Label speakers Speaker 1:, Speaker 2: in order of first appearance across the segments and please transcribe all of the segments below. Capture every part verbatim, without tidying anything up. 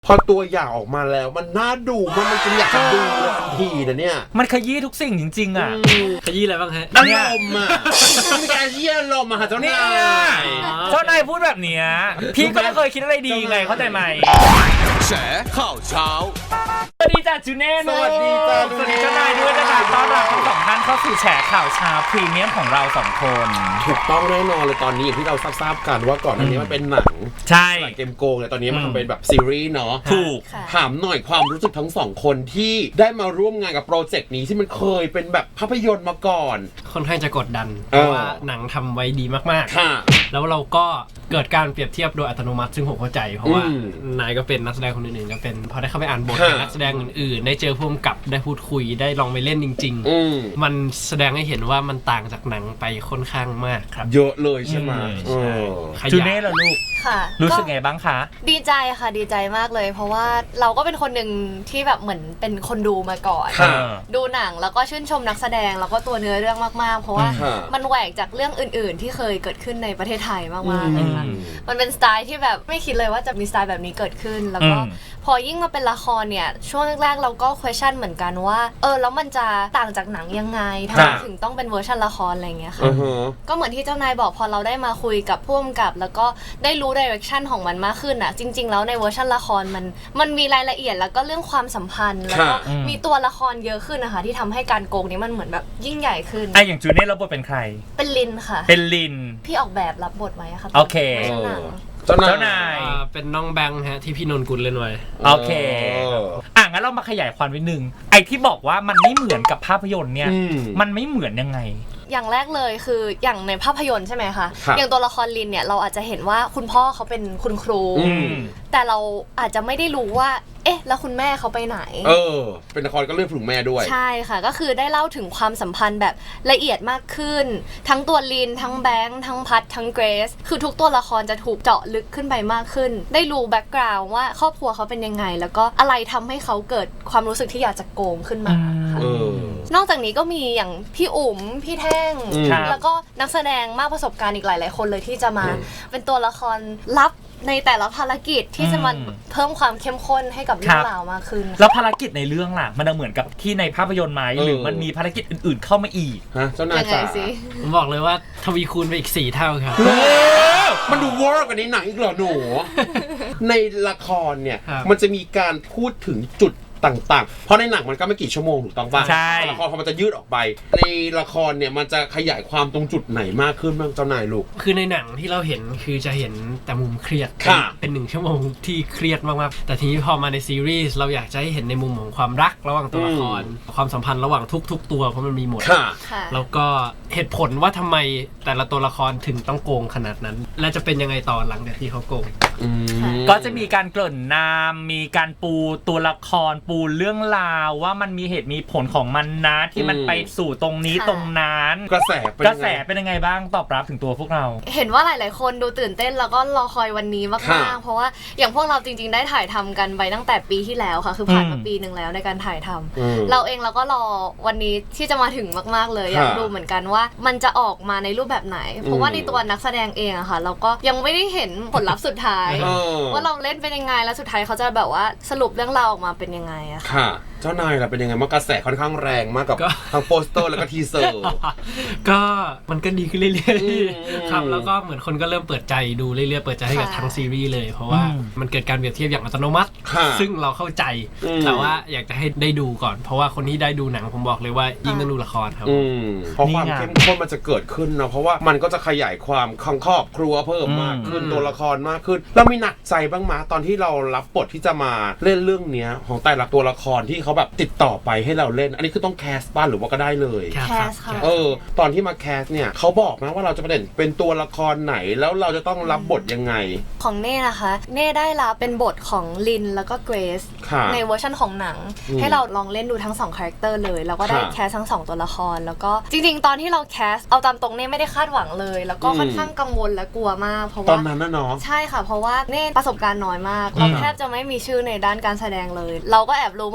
Speaker 1: พอตัวอย่างออกมาแล้วมันน่าดูมันมันจะอยากจะดูเลยทันทีนะเนี่ย
Speaker 2: มันขยี้ทุกสิ่งจริงๆอ่ะ
Speaker 3: ขยี้อะไรบ้างฮะ
Speaker 1: อารมณ์อ่ะมีการขยี้อารมณ์อ่ะเจ้านาย
Speaker 2: เจ้านายพูดแบบเนี้ยพี่ก็ไม่เคยคิดอะไรดีไงเข้าใจไหม
Speaker 4: แฉข่าวเช้า
Speaker 2: สวัสดีจ้าจูเน่
Speaker 1: สวัสดีจ้า
Speaker 2: สวัสดีเจ้านายด้วยนะคะต้อนรับทั้งสองท่านเข้าสู่แฉข่าวเช้าพรีเมียมของเราสองคน
Speaker 1: ถูกต้องแน่นอนเลยตอนนี้อย่างที่เราทราบกันว่าก่อนหน้านี้มันเป็นหนัง
Speaker 2: ใช่
Speaker 1: เกมโกงเลยตอนนี้มันเป็นแบบซีรีส์เนาะ
Speaker 2: ถูก
Speaker 1: ถามหน่อยความรู้สึกทั้งสองคนที่ได้มาร่วมงานกับโปรเจกต์นี้ที่มันเคยเป็นแบบภาพยนตร์มาก่อน
Speaker 3: ค่อนข้างจะกดดันเพราะว่าหนังทำไว้ดีมากๆแล้วเราก็เกิดการเปรียบเทียบโดยอัตโนมัติซึ่งผมเข้าใจเพราะว่านายก็เป็นนักแสดงคนอื่นๆก็เป็นพอได้เข้าไปอ่านบทกับนักแสดงอื่นๆได้เจอผู้กำกับได้พูดคุยได้ลองไปเล่นจริงๆมันแสดงให้เห็นว่ามันต่างจากหนังไปค่อนข้างมากครับ
Speaker 1: เยอะเลยใช่ไหม
Speaker 2: จูเน่ล่ะลูก
Speaker 5: ค่ะ
Speaker 2: รู้สึกไงบ้างคะ
Speaker 5: ดีใจค่ะดีใจมากเลยเพราะว่าเราก็เป็นคนหนึ่งที่แบบเหมือนเป็นคนดูมาก่อนดูหนังแล้วก็ชื่นชมนักแสดงแล้วก็ตัวเนื้อเรื่องมากๆเพราะว่ามันแหวกจากเรื่องอื่นๆที่เคยเกิดขึ้นในประเทศไทยมากๆเลยค่ะมันเป็นสไตล์ที่แบบไม่คิดเลยว่าจะมีสไตล์แบบนี้เกิดขึ้นแล้วก็พอยิ่งมาเป็นละครเนี่ยช่วงแรกๆเราก็ question เหมือนกันว่าเออแล้วมันจะต่างจากหนังยังไงทำไมถึงต้องเป็นเวอร์ชันละครอะไรเงี้ยค่ะก็เหมือนที่เจ้านายบอกพอเราได้มาคุยกับผู้กำกับแล้วก็ได้รู้ direction ของมันมากขึ้นอ่ะจริงๆแล้วในเวอร์ชันละครมันมันมีรายละเอียดแล้วก็เรื่องความสัมพันธ์แล้วก็มีตัวละครเยอะขึ้นนะคะที่ทำให้การโกงนี้มันเหมือนแบบยิ่งใหญ่ขึ้น
Speaker 2: ไอ้อย่างจูเน่รับบทเป็นใคร
Speaker 5: เป็นลินค่ะ
Speaker 2: เป็นลิน
Speaker 5: พี่ออกแบบรับบทไว้ค่ะ
Speaker 2: โอเค
Speaker 1: เจ้า
Speaker 2: นายนาย
Speaker 3: เป็นน้องแบงค์ฮะที่พี่นนกุลเล่นไว้
Speaker 2: โอเคอ่ะงั้นเรามาขยายความนิดนึงไอ้ที่บอกว่ามันไม่เหมือนกับภาพยนตร์เนี่ยมันไม่เหมือนยังไง
Speaker 5: อย่างแรกเลยคืออย่างในภาพยนตร์ใช่ไหมคะอย่างตัวละครลินเนี่ยเราอาจจะเห็นว่าคุณพ่อเขาเป็นคุณครูแต่เราอาจจะไม่ได้รู้ว่าเอ๊ะแล้วคุณแม่เขาไปไหน
Speaker 1: เออเป็นละครก็เรื่องถึงแม่ด้วย
Speaker 5: ใช่ค่ะก็คือได้เล่าถึงความสัมพันธ์แบบละเอียดมากขึ้นทั้งตัวลินทั้งแบงค์ทั้งพัดทั้งเกรซคือทุกตัวละครจะถูกเจาะลึกขึ้นไปมากขึ้นได้รู้แบ็กกราวด์ว่าครอบครัวเขาเป็นยังไงแล้วก็อะไรทำให้เขาเกิดความรู้สึกที่อยากจะโกงขึ้นมาค่ะนอกจากนี้ก็มีอย่างพี่อุ๋มพี่แท่งแล้วก็นักแสดงมากประสบการณ์อีกหลายๆคนเลยที่จะมาเป็นตัวละครลับในแต่ละภารกิจที่จะมาเพิ่มความเข้มข้นให้กับเรื่องราวมากขึ้น
Speaker 2: แล้วภารกิจในเรื่องล่ะมันเหมือนกับที่ในภาพยนตร์ไหมหรือมันมีภารกิจอื่นๆเข้ามาอีก
Speaker 1: ฮะเจ้านายจ๋า
Speaker 3: ผมบอกเลยว่าทวีคูณไปอีกสี่เท่าครับ
Speaker 1: มันดูวอร์กว่าในหนังอีกเหรอหนูในละครเนี่ยมันจะมีการพูดถึงจุดต่างๆเพราะในหนังมันก็ไม่กี่ชั่วโมงถูกต้องป่ะ
Speaker 2: ใช่
Speaker 1: ละครพอมันจะยืดออกไปในละครเนี่ยมันจะขยายความตรงจุดไหนมากขึ้นบ้างเจ้านายลูก
Speaker 3: คือในหนังที่เราเห็นคือจะเห็นแต่มุมเครียดเป็นหนึ่งชั่วโมงที่เครียดมากๆแต่ทีนี้พอมาในซีรีส์เราอยากจะให้เห็นในมุมของความรักระหว่างตัวละครความสัมพันธ์ระหว่างทุกๆตัวเพราะมันมีหมดแล้วก็เหตุผลว่าทำไมแต่ละตัวละครถึงต้องโกงขนาดนั้นและจะเป็นยังไงต่อหลังจากที่เขาโกง
Speaker 2: ก็จะมีการเกริ่นนำมีการปูตัวละครปูเรื่องราวว่ามันมีเหตุมีผลของมันนะที่มันไปสู่ตรงนี้ตรงนั้น
Speaker 1: กระแส
Speaker 2: กระแสเป็นยังไงบ้างตอบรับถึงตัวพวกเรา
Speaker 5: เห็นว่าหลายๆคนดูตื่นเต้นแล้วก็รอคอยวันนี้มากๆเพราะว่าอย่างพวกเราจริงๆได้ถ่ายทำกันไปตั้งแต่ปีที่แล้วค่ะคือผ่านมาปีหนึ่งแล้วในการถ่ายทำเราเองเราก็รอวันนี้ที่จะมาถึงมากๆเลยอยากดูเหมือนกันว่ามันจะออกมาในรูปแบบไหนเพราะว่าในตัวนักแสดงเองอะค่ะเราก็ยังไม่ได้เห็นผลลัพธ์สุดท้ายว่าเราเล่นเป็นยังไงแล้วสุดท้ายเขาจะแบบว่าสรุปเรื่องราวออกมาเป็นยังไงอะ
Speaker 1: ค่ะเจ้านายล่ะเป็นยังไงมากระแสค่อนข้างแรงมากกับทั้งโปสเตอร์แล้วก็ทีเซอร์
Speaker 3: ก็มันก็ดีขึ้นเรื่อยๆครับแล้วก็เหมือนคนก็เริ่มเปิดใจดูเรื่อยๆเปิดใจให้กับทั้งซีรีส์เลยเพราะว่ามันเกิดการเปรียบเทียบอย่างอัตโนมัติซึ่งเราเข้าใจแต่ว่าอยากจะให้ได้ดูก่อนเพราะว่าคนที่ได้ดูหนังผมบอกเลยว่ายิ่งต้องดูละครครับ
Speaker 1: เพราะความเข้มข้นมันจะเกิดขึ้นเนาะเพราะว่ามันก็จะขยายความของครอบครัวเพิ่มมากขึ้นตัวละครมากขึ้นแล้วมีหนักใจบ้างมั้ยตอนที่เรารับบทที่จะมาเล่นเรื่องนี้ของแต่ละตัวละครที่เขาแบบติดต่อไปให้เราเล่นอันนี้คือต้องแคสบ้านหรือว่าก็ได้เลย
Speaker 5: แคสค่ะ
Speaker 1: เออตอนที่มาแคสเนี่ยเขาบอกนะว่าเราจะประเด็นเป็นตัวละครไหนแล้วเราจะต้องรับบทยังไง
Speaker 5: ของเน่นะคะเน่ได้รับเป็นบทของลินแล้วก็เกรซในเวอร์ชันของหนังให้เราลองเล่นดูทั้งสองคาแรคเตอร์เลยแล้วก็ได้แคสทั้งสองตัวละครแล้วก็จริงๆตอนที่เราแคสเอาตามตรงเน่ไม่ได้คาดหวังเลยแล้วก็ค่อนข้างกังวลและกลัวมากเพราะว่า
Speaker 1: ตอนนั้นนะเนาะ
Speaker 5: ใช่ค่ะเพราะว่าเน่ประสบการณ์น้อยมากเราแทบจะไม่มีชื่อในด้านการแสดงเลยเราก็แอบรู้มาว่าคน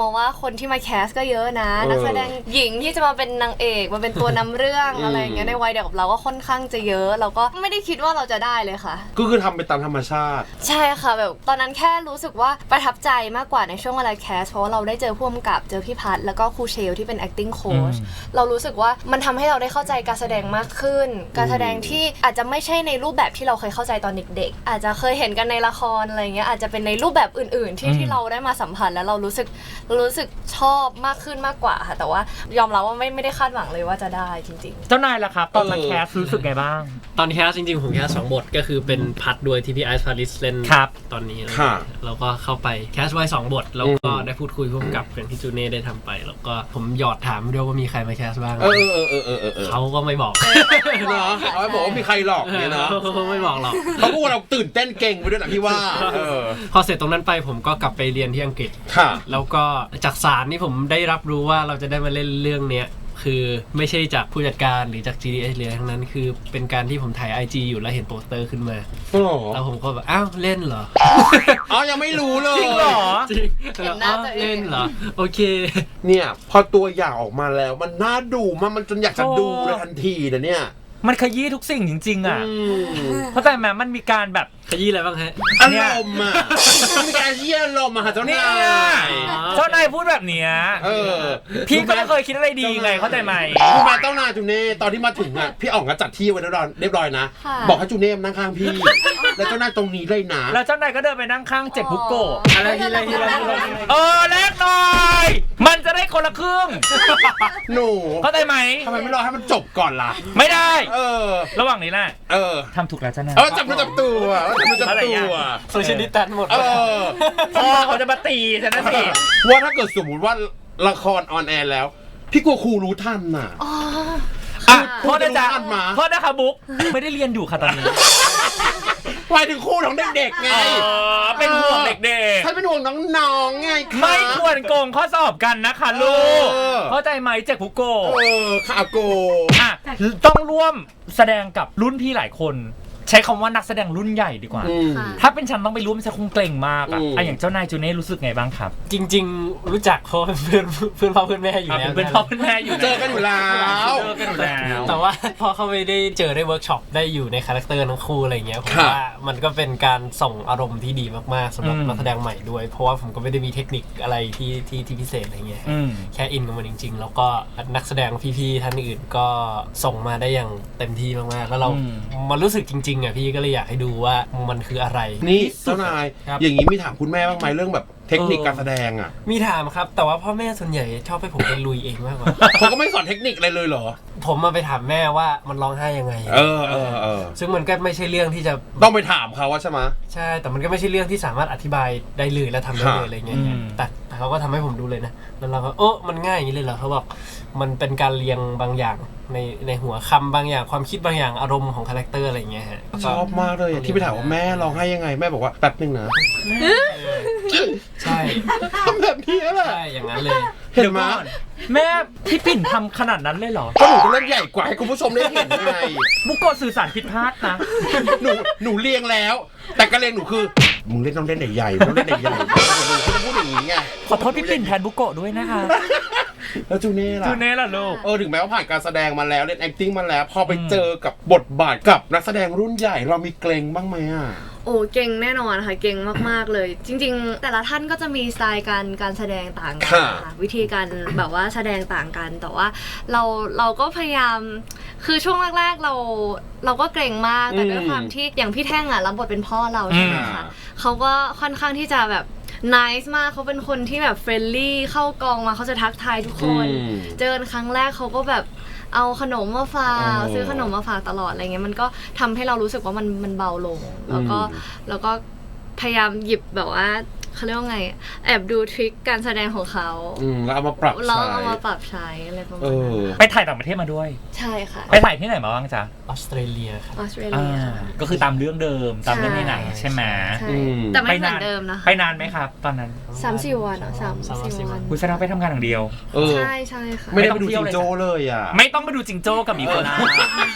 Speaker 5: คนที่มาแคสก็เยอะนะนักแสดงหญิงที่จะมาเป็นนางเอกมาเป็นตัวนำเรื่องอะไรอย่างเงี้ยในวัยเดียวกับเราก็ค่อนข้างจะเยอะเราก็ไม่ได้คิดว่าเราจะได้เลยค่ะ
Speaker 1: ก็คือทำไปตามธรรมชาติ
Speaker 5: ใช่ค่ะแบบตอนนั้นแค่รู้สึกว่าประทับใจมากกว่าในช่วงเวลาแคสเพราะว่าเราได้เจอผู้กำกับเจอพี่พัฒน์แล้วก็ครูเชลที่เป็น acting coach เรารู้สึกว่ามันทำให้เราได้เข้าใจการแสดงมากขึ้นการแสดงที่อาจจะไม่ใช่ในรูปแบบที่เราเคยเข้าใจตอนเด็กๆอาจจะเคยเห็นกันในละครอะไรเงี้ยอาจจะเป็นในรูปแบบอื่นๆที่ที่เราได้มาสัมผัสแล้วเรารู้สึกรู้สึกชอบมากขึ้นมากกว่าค่ะแต่ว่ายอมรับว่าไม่ไม่ได้คาดหวังเลยว่าจะได้จริงๆ
Speaker 2: เจ้านายล่ะครับตอนมาแคสรู้สึกไงบ้าง
Speaker 3: ตอนแคสจริงๆผมแคสสองบทก็คือเป็นพัดด้วยที่พี่ไอซ์พาริสเล่นตอนนี้เราก็เข้าไปแคสไว้สองบทแล้วก็ได้พูดคุยร่วมกับอย่างที่จูเน่ได้ทำไปแล้วก็ผมหยอดถามด้วยว่ามีใครมาแคสบ้าง
Speaker 1: เออเออเออเออเออ
Speaker 3: เขาก็ไม่บอก
Speaker 1: เนาะเขาบอกว่ามีใครหลอกเนี่ยเนาะ
Speaker 3: เขาไม่บอกหรอก
Speaker 1: เขาพูดว่าเราตื่นเต้นเก่งไปด้วยนะพี่ว่า
Speaker 3: พอเสร็จตรงนั้นไปผมก็กลับไปเรียนที่อังกฤษแล้วก็จากสารนี่ผมได้รับรู้ว่าเราจะได้มาเล่นเรื่องเนี้ยคือไม่ใช่จากผู้จัดการหรือจาก จี ดี เอส เลยทั้งนั้นคือเป็นการที่ผมถ่าย ไอ จี อยู่แล้วเห็นโปสเตอร์ขึ้นมาแล้วผมก็แบบอ้าวเล่นเหรอ
Speaker 1: อ๋อยังไม่รู้เลย
Speaker 2: จริงเหรอ
Speaker 3: จริงเล่นเหรอโอเค
Speaker 1: เนี่ยพอตัวอย่างออกมาแล้วมันน่าดูมันมันจนอยากจะดูเลยทันทีนะเนี่ย
Speaker 2: มันขยี้ทุกสิ่งจริงๆอ่ะเพราะแต่แม้มันมีการแบบ
Speaker 3: ขยี้อะไรบ้างฮะ
Speaker 1: อารมณ์อ่ะมีการขยี้อารมณ์อ่ะเจ้านาย
Speaker 2: เจ้านายพูดแบบเนี้ยพี่ก็ไม่เคยคิดอะไรดีไงเข้าใจไหม
Speaker 1: คุณมาเจ้านายจูเน่ตอนที่มาถึงอ่ะพี่อ๋องก็จัดที่ไว้เรียบร้อยเรียบร้อยนะบอกให้จูเน่นั่งข้างพี่แล้วเจ้านายตรงนี้เลยนะ
Speaker 2: แล้วเจ้านายก็เดินไปนั่งข้างเจ็บบุกโกะอะไรที่อะไรที่อะไรเออแลกหน่อยมันจะได้คนละครึ่ง
Speaker 1: หนู
Speaker 2: เข้าใจไหม
Speaker 1: ทำไมไม่รอให้มันจบก่อนล่ะ
Speaker 2: ไม่ได้
Speaker 1: เออ
Speaker 2: ระหว่างนี้แหละ
Speaker 1: เออ
Speaker 2: ทำถูกแล้วจ้านาย
Speaker 1: เออจับมือจับตัวจับมือจับตัว
Speaker 3: โซเชียลดิสแทนหมด
Speaker 1: เออ
Speaker 2: พ่อเขาจะมาตีฉันนะสิ
Speaker 1: ว่าถ้าเกิดสมมติว่าละครออนแอร์แล้วพี่กลัวครูรู้ทันน่ะ
Speaker 2: อ่ะพ่อได้จ้าพ่อได้ค่ะบุ๊กไม่ได้เรียนอยู่ค่ะตอนนี้
Speaker 1: หมายถึงครูของเด็กๆไง
Speaker 2: เป็นห่วงเด็ก
Speaker 1: ๆฉันเป็นห่วงน้องๆไง
Speaker 2: ไม่ควรโกงข้อสอบกันนะคะลูกเข้าใจไหมเจ็กพุโก
Speaker 1: เออค่ะโก
Speaker 2: อ่ะต้องร่วมแสดงกับรุ่นพี่หลายคนใช้คำว่านักแสดงรุ่นใหญ่ดีกว่าถ้าเป็นฉันต้องไปร่วมจะคงเกรงมากอ่ะอ่ะอย่างเจ้านายจูเน่รู้สึกไงบ้างครับ
Speaker 3: จริงๆรู้จักเพราะเพื่อนเพื่อนพ่อเพื่อนแม่อยู่แล้ว
Speaker 2: เป็นพ่อเพื่อนแม่อยู่
Speaker 1: เจอกันอยู่แล้ว
Speaker 2: เจอกันอยู่แล้ว
Speaker 3: แต่ว่าพอเขาไม่ได้เจอได้เวิร์กช็อปได้อยู่ในคาแรคเตอร์ทั้งคู่อะไรเงี้ยผมว่ามันก็เป็นการส่งอารมณ์ที่ดีมากๆสำหรับนักแสดงใหม่ด้วยเพราะว่าผมก็ไม่ได้มีเทคนิคอะไรที่ที่ที่พิเศษอะไรเงี้ยแค่อินกับมันจริงๆแล้วก็นักแสดงพี่ๆท่านอื่นก็ส่งมาได้อย่างเต็มที่มากๆแล้วเรามันรู้สึกจริงๆอ่ะพี่ก็เลยอยากให้ดูว่ามันคืออะไร
Speaker 1: นี่เจ้านายอย่างนี้มีถามคุณแม่บ้างไหมเรื่องแบบเทคนิคการแสดงอ่ะ
Speaker 3: มีถามครับแต่ว่าพ่อแม่ส่วนใหญ่ชอบให้ผมไปลุยเองมากกว่า
Speaker 1: เขาก็ไม่สอนเทคนิคอะไรเลยเหรอ
Speaker 3: ผมมาไปถามแม่ว่ามันร้องไห้ยังไง
Speaker 1: เออเออเออ
Speaker 3: ซึ่งมันก็ไม่ใช่เรื่องที่จะ
Speaker 1: ต้องไปถามเขาว่าใช่ไหม
Speaker 3: ใช่แต่มันก็ไม่ใช่เรื่องที่สามารถอธิบายได้เลยและทำได้เลยอะไรเงี้ยแต่เขาก็ทำให้ผมดูเลยนะแล้วเราก็โอ้มันง่ายอย่างนี้เลยเหรอเขาบอกมันเป็นการเรียงบางอย่างในในหัวคำบางอย่างความคิดบางอย่างอารมณ์ของคาแรคเตอร์อะไรเงี้ยฮะ
Speaker 1: ชอบมากเลยที่ไปถามว่าแม่ร้องไห้ยังไงแม่บอกว่าแป๊บนึงนะ
Speaker 3: ใช่
Speaker 1: ทำแบบนี้แหละ
Speaker 3: ใช่อย่างนั้นเลย
Speaker 1: เห็นไหม
Speaker 2: แม่พี่ปิ่นทำขนาดนั้นเลยเหรอ
Speaker 1: ก็หนูจะเล่นใหญ่กว่าให้คุณผู้ชมได้เห็นไง
Speaker 2: บุกโกสื่อสารผิดพลาดนะ
Speaker 1: หนูหนูเรียงแล้วแต่การเรียงหนูคือมึงเล่นต้องเล่นใหญ่ๆต้องเล่นใหญ่ๆหนูจะพูดอย่างนี้ไง
Speaker 2: ขอโทษพี่ปิ่นแทนบุกโกด้วยนะคะ
Speaker 1: แล้วจูเน่ล่ะ
Speaker 2: จูเน่ล่ะลูก
Speaker 1: เออถึงแม้ว่าผ่านการแสดงมาแล้วเล่น acting มาแล้วพอไปเจอกับบทบาทกับนักแสดงรุ่นใหญ่เรามีเกรงบ้างไหมอ่ะ
Speaker 5: โอ้เก่งแน่นอนค่ะเก่งมากๆเลยจริงๆแต่ละท่านก็จะมีสไตล์การการแสดงต่างกันค่ะวิธีการแบบว่าแสดงต่างกันแต่ว่าเราเราก็พยายามคือช่วงแรกๆเราเราก็เกรงมากแต่ด้วยความที่อย่างพี่แท่งอ่ะรับบทเป็นพ่อเราใช่ไหมคะเขาก็ค่อนข้างที่จะแบบnice มากเขาเป็นคนที่แบบเฟรนลี่เข้ากองมาเขาจะทักทายทุกคนเจอกันครั้งแรกเขาก็แบบเอาขนมมาฝากซื้อขนมมาฝากตลอดอะไรเงี้ยมันก็ทำให้เรารู้สึกว่ามันมันเบาลงแล้วก็แล้วก็พยายามหยิบแบบว่าเขาเรียกว่าไงแอบดูทริคการแสดงของเขา
Speaker 1: แล้วเอามาปรับใช้
Speaker 5: เราเอามาปรับใช้อะไรประมาณนั้น
Speaker 2: ไปถ่ายต่างประเทศมาด้วย
Speaker 5: ใช่ค่ะ
Speaker 2: ไปถ่ายที่ไหนมาบ้างจ๊ะ
Speaker 3: ออสเตรเลียครับ
Speaker 5: ออสเตรเลีย
Speaker 2: ก็คือตามเรื่องเดิมตามเรื่องในหนังใช่ไหม
Speaker 5: แต่ไม่เหมือนเดิมนะ
Speaker 2: ไปนานไหมครับตอนนั้น
Speaker 5: สามสี่วันอ่ะสามสี่วัน
Speaker 2: คุณแสดงไปทำงานอย่างเดียว
Speaker 5: ใช่ใช่ค่ะ
Speaker 1: ไม่ได้ไปดูจิงโจ้เลยอ่ะ
Speaker 2: ไม่ต้องไปดูจิงโจ้กับอีโคนา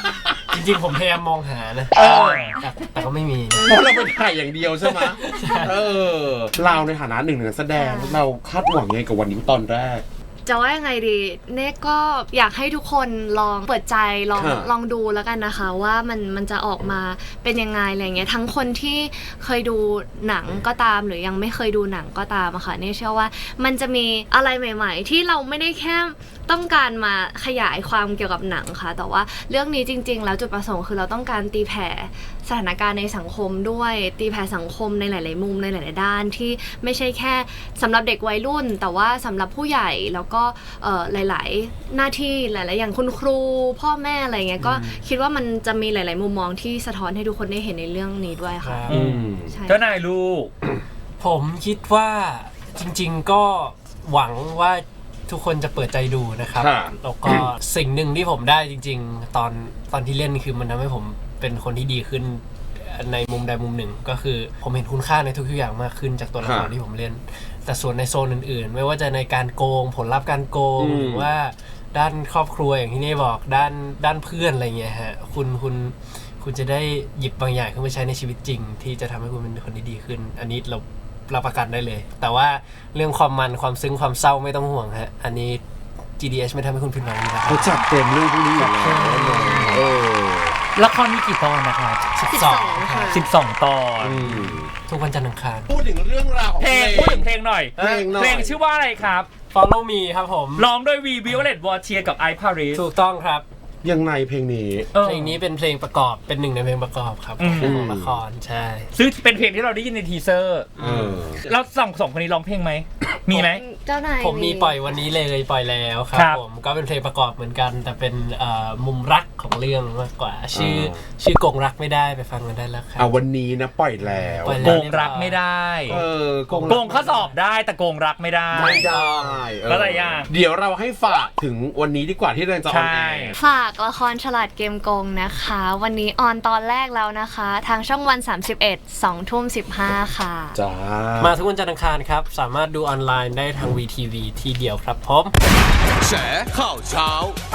Speaker 3: จริงๆผมพยายามมองหานะ
Speaker 2: เออ
Speaker 3: แต่แต่ก็ไม่มี
Speaker 1: เพราะเราไปถ่ายอย่างเดียวใช่ไหมเออเราในฐานะหนึ่งในนักแสดงเราคาดหวังยังไงกับวันนี้ตอนแรก
Speaker 5: จะว่ายังไงดีเน่ก็อยากให้ทุกคนลองเปิดใจลอง
Speaker 1: ค่ะ
Speaker 5: ลองดูแล้วกันนะคะว่ามันมันจะออกมาเป็นยังไงอะไรเงี้ยทั้งคนที่เคยดูหนังก็ตามหรือยังไม่เคยดูหนังก็ตามอะค่ะเน่เชื่อว่ามันจะมีอะไรใหม่ ๆ ที่เราไม่ได้แค่ต้องการมาขยายความเกี่ยวกับหนังค่ะแต่ว่าเรื่องนี้จริงๆแล้วจุดประสงค์คือเราต้องการตีแผ่สถานการณ์ในสังคมด้วยตีแผ่สังคมในหลายๆมุมในหลายๆด้านที่ไม่ใช่แค่สำหรับเด็กวัยรุ่นแต่ว่าสำหรับผู้ใหญ่แล้วก็เอ่อหลายๆหน้าที่หลายๆอย่างคุณครูพ่อแม่อะไรเงี้ยก็คิดว่ามันจะมีหลายๆมุมมองที่สะท้อนให้ทุกคนได้เห็นในเรื่องนี้ด้วยค่ะ
Speaker 3: ครับ
Speaker 2: อืม
Speaker 5: ใช่
Speaker 2: เจ้านายลูก
Speaker 3: ผมคิดว่าจริงๆก็หวังว่าทุกคนจะเปิดใจดูนะครับ
Speaker 1: ค่ะ
Speaker 3: แล้วก็สิ่งหนึ่งที่ผมได้จริงๆ ตอนตอนที่เล่นคือมันทำให้ผมเป็นคนที่ดีขึ้นในมุมใดมุมหนึ่ง ก็คือผมเห็นคุณค่าในทุกๆอย่างมากขึ้นจากตัวละคร
Speaker 1: ค่ะ
Speaker 3: ที่ผมเล่น แต่ส่วนในโซนอื่นๆ ไม่ว่าจะในการโกงผลลัพธ์การโกง
Speaker 1: อืม
Speaker 3: หรือว่าด้านครอบครัวอย่างที่นี่บอกด้านด้านเพื่อนอะไรเงี้ยฮะคุณคุณคุณจะได้หยิบบางอย่างขึ้นมาใช้ในชีวิตจริง ที่จะทำให้คุณเป็นคนที่ดีขึ้น อันนี้เรารับประกันได้เลย แต่ว่าเรื่องความมันความซึ้งความเศร้าไม่ต้องห่วงฮะอันนี้ จี ดี เอช ไม่ทำให้คุณผิดหวังอยู่แล้ว
Speaker 1: เขาจัดเต็มเรื่องพวกนี้อยู่แล้วเออ
Speaker 2: ละครมีกี่ตอนนะครับ
Speaker 3: สิบ
Speaker 5: สิบ
Speaker 3: ส
Speaker 5: ส
Speaker 3: อ
Speaker 5: อง ง
Speaker 3: ค่ะ
Speaker 5: ค่ะ
Speaker 2: สิบสองตอน
Speaker 1: อืม
Speaker 3: ทุกวันจันทร์อังคาร
Speaker 1: พูดถึงเรื่องราวของ
Speaker 2: เพลงพูดถึงเพลงหน่อย
Speaker 1: เพลงหน่อย
Speaker 2: เพลงชื่อว่าอะไรครับ
Speaker 3: Follow me ครับผม
Speaker 2: ร้องโดยวีวิโอเลตวอร์เชียกับไอพาริส
Speaker 3: ถูกต้องครับ
Speaker 1: ยังไงเพลงนี้
Speaker 3: เพลงนี้เป็นเพลงประกอบเป็นหนึ่งในเพลงประกอบครับ
Speaker 2: อืม
Speaker 3: ของละครใช่
Speaker 2: ซึ่งเป็นเพลงที่เราได้ยินในทีเซอร์
Speaker 1: เออ
Speaker 2: แล้วสองสองคนนี้ร้องเพลงไหม มีไหม
Speaker 5: เจ้านาย
Speaker 3: ผมมีปล่อยวันนี้เลยปล่อยแล้วครั
Speaker 2: ครับ บ
Speaker 3: ผมก็เป็นเพลงประกอบเหมือนกัน แต่เป็นเอ่อมุมรักของเรื่องมากกว่า ชื่อ
Speaker 1: อ่า
Speaker 3: ชื่อกงรักไม่ได้ไปฟังกันได้แล้วครั
Speaker 1: อ่ะวันนี้นะปล่อยแล้ว
Speaker 3: ปล่อยแล้
Speaker 2: โก
Speaker 3: ว
Speaker 2: งรักไม่ได้
Speaker 1: เออโกง
Speaker 2: โกงข้อสอบได้แต่โกงรักไม่ได้
Speaker 1: ไม่ได้เออ
Speaker 2: แล้วอะไรอ่ะ
Speaker 1: เดี๋ยวเราให้ฝากถึงวันนี้ดีกว่าที่เราจะออนแอ
Speaker 2: ใช่
Speaker 1: ร์
Speaker 5: ฝากละครฉลาดเกมโกงนะคะ วันนี้ออนตอนแรกแล้วนะคะ ทางช่องวันสามสิบเอ็ด สองทุ่มสิบห้าค่ะ
Speaker 1: จ้า
Speaker 3: มาทุกวันจันทร์อังคารครับ สามารถดูออนไลน์ได้ทาง วี ที วี ที่เดียวครับผม
Speaker 4: แฉข่าวเช้า